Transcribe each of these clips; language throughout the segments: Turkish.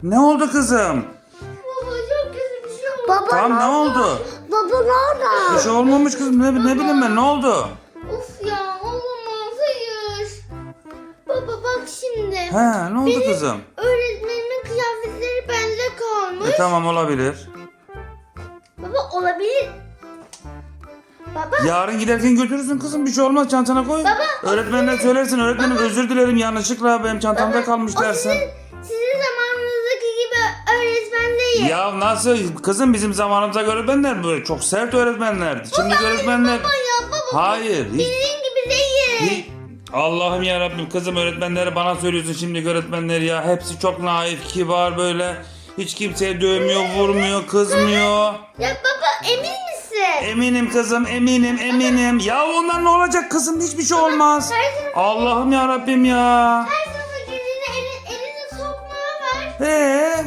Ne oldu kızım? Baba çok kötü bir şey oldu. Baba Tamam ne oldu? Baba nerede? Bir şey olmamış kızım. Ne bileyim ben, ne oldu? Of ya olamaz, hayır. Baba bak şimdi. He, ne oldu kızım? Öğretmenimin kıyafetleri bende kalmış. Tamam, olabilir. Baba olabilir. Baba. Yarın giderken götürürsün kızım, bir şey olmaz, çantana koy. Öğretmenine söylersin, öğretmenim özür dilerim yanlışlıkla benim çantamda kalmış dersin. Sizin zamanınızdaki gibi öğretmen değil. Ya nasıl kızım, bizim zamanımızda öğretmenler böyle çok sert öğretmenlerdi. Şimdi öğretmenler... Baba ya baba. Hayır. Hiç, Bildiğin gibi değil. Allah'ım ya Rabbim, kızım öğretmenleri bana söylüyorsun şimdi, öğretmenleri ya. Hepsi çok naif, kibar böyle. Hiç kimseye dövmüyor, vurmuyor, kızmıyor. Ya baba emin misin? Eminim kızım, eminim. Ya ondan ne olacak kızım, hiçbir şey olmaz. Allah'ım ya Rabbim ya. Her zaman girdiğinde elini sokmaya ver.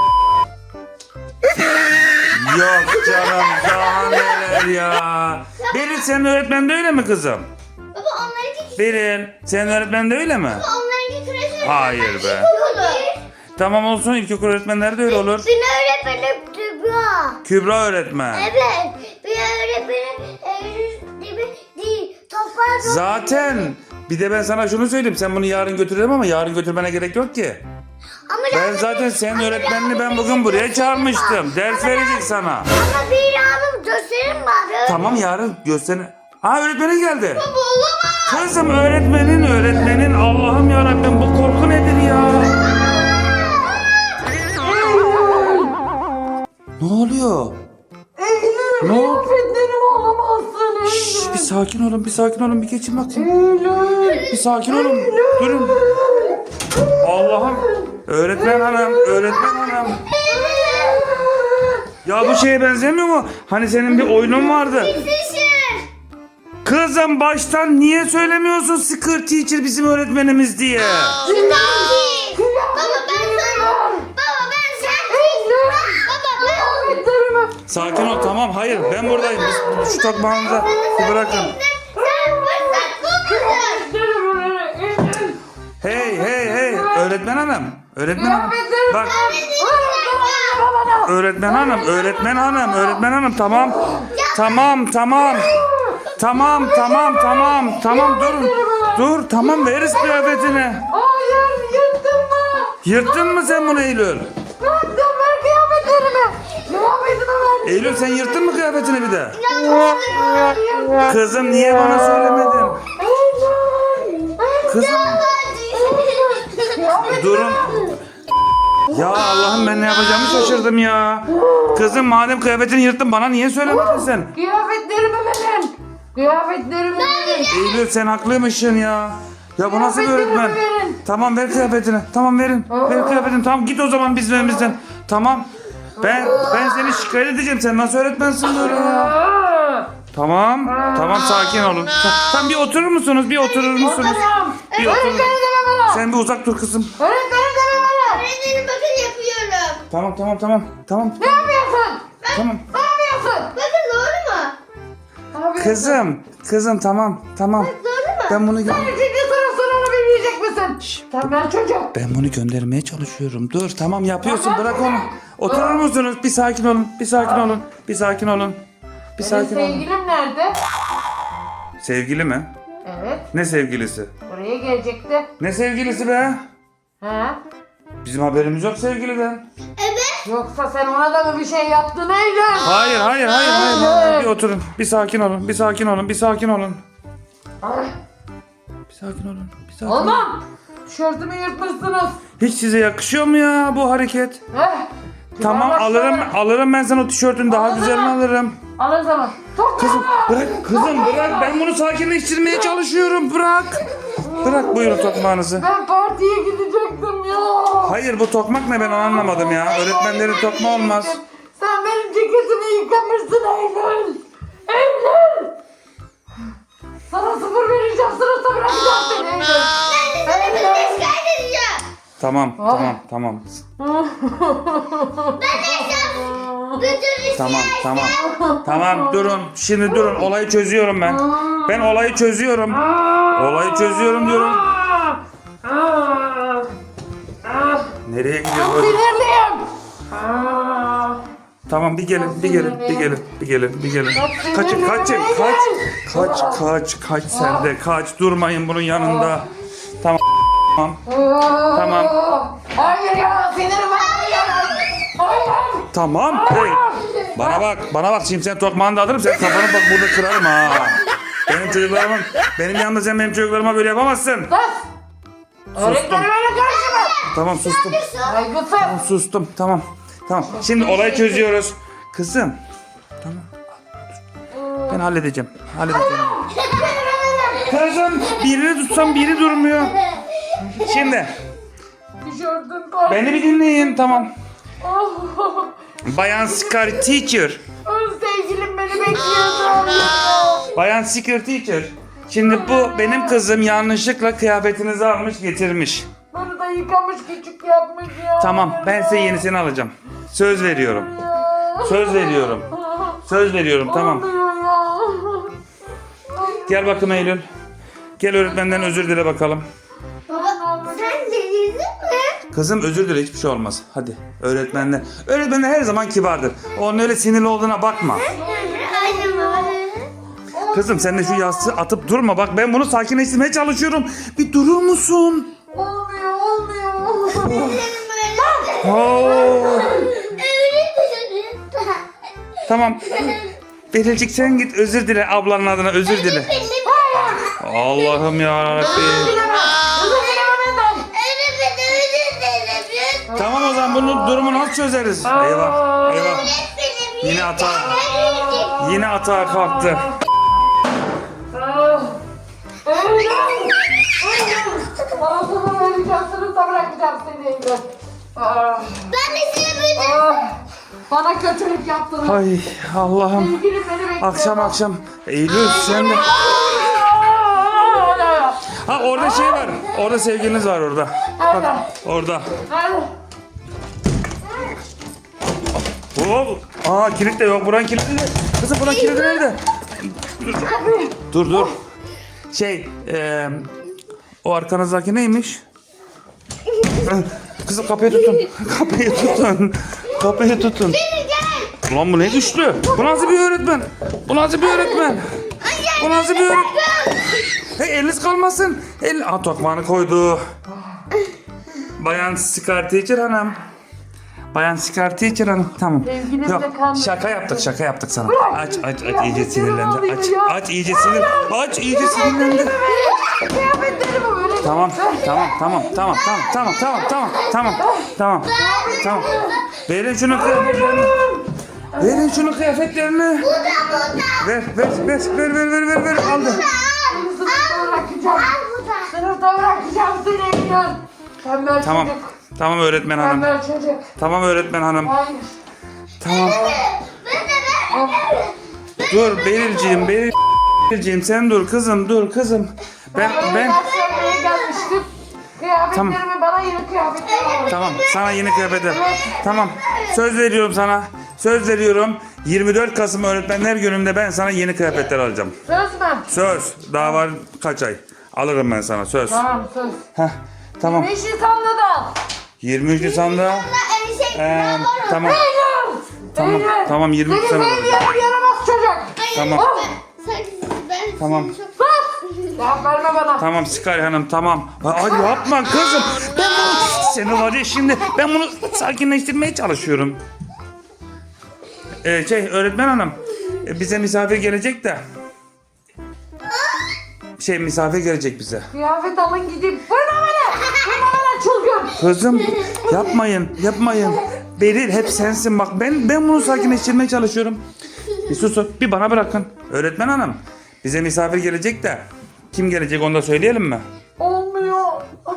Yok canım, daha neler ya. Beril, senin öğretmen de öyle mi kızım? Baba onlarınki Beril, senin öğretmen de öyle mi? onlarınki kreş Hayır be. olur. Tamam olsun, ilkokul öğretmenleri de öyle olur. Benim öğretmenim Kübra. Kübra öğretmen. Evet. Benim öğretmenim değil. Toplar Zaten bir de ben sana şunu söyleyeyim, sen bunu yarın götürelim ama yarın götürmene gerek yok ki. Ama Ben zaten senin öğretmenini ben bugün buraya çağırmıştım. Ders verecek sana. Ama bir hanım gösterin bana. Tamam, yarın göster. Ha, öğretmenin geldi. Baba olamaz. Kızım öğretmenin Allah'ım ya Rabbim, bu korku nedir ya? Ne oluyor? Ne oldu? Kıyafetlerim olamazsın. Şşş, bir sakin olun, bir geçin bakayım. Bir sakin olun, durun. Allah'ım, öğretmen hanım. Ya bu şeye benzemiyor mu? Hani senin bir oyunun vardı. Teacher. Kızım baştan niye söylemiyorsun Secret Teacher bizim öğretmenimiz diye? Baba ben sana. Baba ben sen. Baba ben. Kıyafetlerimi. Sakin ol, tamam, hayır ben buradayım. Biz şu tokmağınızı bir bırakın. Sen fırsat bulmadın. Hey, öğretmen hanım. Bak, öğretmen hanım, tamam, dur, tamam, veririz kıyafetini. Hayır, yırttın mı? Yırttın mı sen bunu Eylül? Yırttım, ver kıyafetlerimi. Kıyafetimi ver. Eylül, sen yırttın mı kıyafetini bir de? Hayır. Kızım niye bana söylemedin? Kızım, durun. Ya Allah'ım, ben ne yapacağımı şaşırdım ya. Kızım, madem kıyafetini yırttın, bana niye söylemedin sen? Kıyafetlerimi verin. Kıyafetlerimi verin. Eylül, sen haklıymışsın ya. Ya bu nasıl bir öğretmen? Kıyafetlerimi verin. Tamam, ver kıyafetini. Tamam, verin. Ver kıyafetini. Tamam, git o zaman bizim evimizden. Tamam. Ben seni şikayet edeceğim. Sen nasıl öğretmensin böyle ya? Aa, Tamam, sakin olun. Tamam, bir oturur musunuz? Bir oturur musunuz? Tamam. Bir oturun. Öğretmenim deme bana. Sen bir uzak dur kızım. Öğretmenim deme bana. Öğretmenim bakın yapıyorum. Tamam. Ne yapıyorsun? Tamam. Ne yapıyorsun? Bakın doğru mu? Ne yapıyorsun? Kızım, tamam. Doğru mu? Ben bunu Sen ikinci sınıf sorunu bilmeyecek misin? Sen ben çocuk. Ben bunu göndermeye çalışıyorum. Dur, tamam, yapıyorsun. Bırak onu. Oturur musunuz? Bir sakin olun. Bir sakin olun. Senin sevgilim nerede? Sevgili mi? Evet. Ne sevgilisi? Buraya gelecekti. Ne sevgilisi be? Ha? Bizim haberimiz yok sevgiliden. Yoksa sen ona da mı bir şey yaptın Eylül? Hayır. Bir oturun. Bir sakin olun. Ay, Bir sakin olun. olmam. Tişörtümü yırtmışsınız. Hiç size yakışıyor mu ya bu hareket? Eh, Tamam, alırım ben sana o tişörtün daha güzelini alırım. Alır zaman. Çok Kızım bırak, ben bunu sakinleştirmeye çalışıyorum, bırak buyurun tokmağınızı. Ben partiye gidecektim ya. Hayır, bu tokmak ne, ben onu anlamadım ya. Öğretmenlerin tokma olmaz. Sen benim ceketimi yıkamışsın Eylül. Eylül. Sana 0 vereceğim. Sınıfta bırakacağım seni Eylül. Ben de şikayet edeceğim. Tamam. Tamam, durun. Şimdi durun, olayı çözüyorum ben. Ben olayı çözüyorum. Olayı çözüyorum diyorum. Nereye Çok gidiyoruz? sinirliyim. Aa, Tamam bir gelin, bir gelin, bir gelin, bir gelin, bir gelin. Kaçın, kaçın, kaç sen de kaç. Durmayın bunun yanında. Tamam. Tamam. Hayır ya, sinirim var. Hayır. Tamam. Hey. Bana bak şimdi sen tokmağını da alırım sen kafanı bak burada kırarım ha. Benim yanımda sen benim çocuklarıma böyle yapamazsın. Sus. Öğretmenime karışma. Tamam sustum. Saygısız. Sustum tamam. Tamam. Şimdi olayı çözüyoruz. Kızım. Tamam. Ben halledeceğim. Kızım birini tutsam biri durmuyor. Şimdi Tişörtüm kaldı. beni bir dinleyin tamam. Oh. Bayan Scar Teacher. Sevgilim beni bekliyordu. Bayan Scar Teacher. Şimdi bu benim kızım yanlışlıkla kıyafetinizi almış getirmiş. Bunu da yıkamış küçük yapmış ya. Tamam ben size yenisini alacağım. Söz veriyorum. Söz veriyorum. Söz veriyorum tamam. Olmuyor ya. Gel bakın Eylül. Gel öğretmenden özür dile bakalım. Sen delirdin mi? Kızım özür dile hiçbir şey olmaz. Hadi öğretmenler. Öğretmenler her zaman kibardır. Onun öyle sinirli olduğuna bakma. Aynen baba. Kızım sen de şu yastığı atıp durma. Bak ben bunu sakinleştirmeye çalışıyorum. Bir durur musun? Olmuyor. Oo. Tamam. Berilcik sen git özür dile ablanın adına özür dile. Allah'ım yarabbim. Tamam o zaman bunun durumunu nasıl çözeriz? Eyvah eyvah. Yine atağa kalktı. Ağzımı vereceğim, sınıfta bırakacağım seni Eylül. Ben de seni böyle Bana kötülük yaptınız. Ay Allah'ım. Sevgilim beni bekliyor. Akşam. Eylül sen de. Ha orada şey var. Orada sevgiliniz var orada. Bak orada. Hop. Aa kilit de yok. Buranın kilidi de. Kızım buranın kilidi nerede? Dur. O arkanızdaki neymiş? Kızım kapıyı tutun. Kapıyı tutun. Ulan bu ne düştü? Bu nasıl bir öğretmen? Hey eliniz kalmasın. Tokmağını koydu. Bayan Scar Teacher hanım. Tamam. Sevgilimle Yok kalmış. şaka yaptık sana. Aç iyice sinirlendi. Aç iyice sinirlendi. Kıyafetlerimi böyle. Tamam. Verin şunu kıyafetlerini. Ver. Aldı. Sınıfta bırakacağım seni Eylül. Tembel Tamam. çocuk. Tamam öğretmen hanım. Tembel çocuk. Tamam öğretmen hanım. Hayır. Tamam. Dur Berilciğim sen dur kızım. Ben Sevmeye gelmiştim. Kıyafetlerimi bana yeni kıyafetler alın. Tamam sana yeni kıyafetler. Tamam. Söz veriyorum. 24 Kasım Öğretmenler Günü'nde ben sana yeni kıyafetler alacağım. Söz mü? Söz. Daha var kaç ay. Alırım ben sana söz. Tamam söz. Heh, tamam. 5 Nisan'da da. 23 Nisan'da. Tamam. Eylül. Tamam 23 Seni Nisan'da. sevmeyen yaramaz çocuk. Tamam. Tamam. Cevap verme bana. Tamam Scar Hanım tamam. Ay yapma kızım. Seni var ya şimdi ben bunu sakinleştirmeye çalışıyorum. Öğretmen hanım. Bize misafir gelecek de. Misafir gelecek bize. Kıyafet alın gidin. Vurma bana çılgın. Kızım yapmayın. Beril hep sensin bak. Ben bunu sakinleştirmeye çalışıyorum. Bir susun. Bir bana bırakın. Öğretmen hanım. Bize misafir gelecek de. Kim gelecek onu da söyleyelim mi? Olmuyor.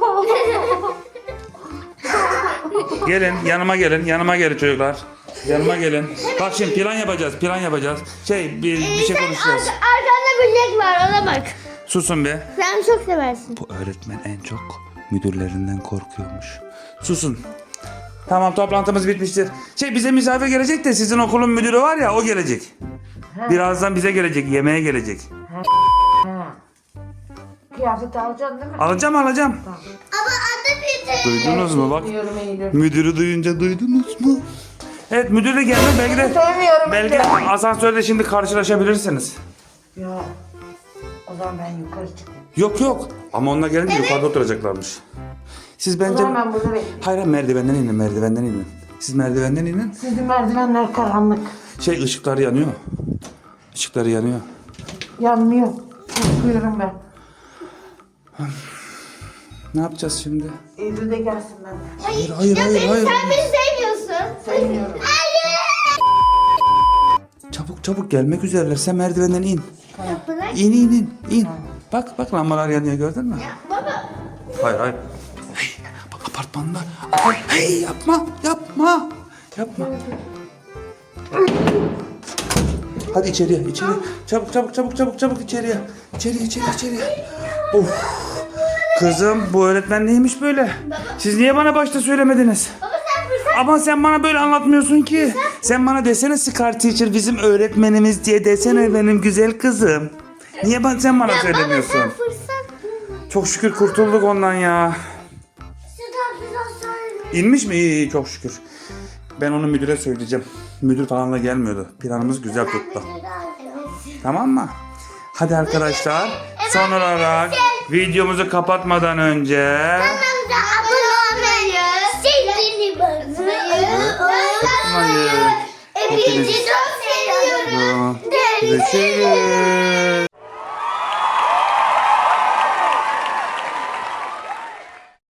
Gelin yanıma gelin çocuklar. Yanıma gelin. Bak şimdi plan yapacağız. Bir şey konuşacağız. Arkanda böcek var ona bak. Susun be. Sen çok seversin. Bu öğretmen en çok müdürlerinden korkuyormuş. Susun. Tamam toplantımız bitmiştir. Bize misafir gelecek de sizin okulun müdürü var ya o gelecek. Birazdan bize gelecek, yemeğe gelecek. Kıyafet alacaksın değil mi? Alacağım. Ama müdür. Duydunuz mu bak? Sevmiyorum Eylül. Müdürü duyunca duydunuz mu? Evet müdür de geldi belki de. Sevmiyorum Belki Eylül. asansörde şimdi karşılaşabilirsiniz. Ya o zaman ben yukarı çıkayım. Yok yok. Ama onunla gelince yukarıda oturacaklarmış. Siz O bence... zaman ben burada bekleyeyim. Hayır merdivenden inin merdivenden inin. Siz merdivenden inin. Sizin merdivenler karanlık. Işıkları yanıyor. Işıkları yanıyor. Yanmıyor. Korkuyorum ben. Ne yapacağız şimdi? Eylül de gelsin ben. Hayır Ya hayır sen beni sevmiyorsun. Sevmiyorum. Çabuk gelmek üzereler. Sen merdivenden in. Bırak. İn. Bak lambalar yanıyor gördün mü? Baba. Hayır. Hey, bak apartmanda. Hey yapma. Hadi içeriye. Çabuk içeriye. İçeriye. Of. Kızım bu öğretmen neymiş böyle? Siz niye bana başta söylemediniz? Baba sen fırsat. Ama sen bana böyle anlatmıyorsun ki. Sen bana desene Scar Teacher bizim öğretmenimiz diye desene benim güzel kızım. Niye sen bana söylemiyorsun? Sen fırsat. Çok şükür kurtulduk ondan ya. Şuradan biraz sonra. İnmiş mi? İyi çok şükür. Ben onu müdüre söyleyeceğim. Müdür falan da gelmiyordu. Planımız güzel tuttu. Tamam mı? Hadi arkadaşlar. Son olarak videomuzu kapatmadan önce Kanalımıza abone olmayı, zilini basmayı unutmayın. Hepinizi çok seviyorum. görüşürüz.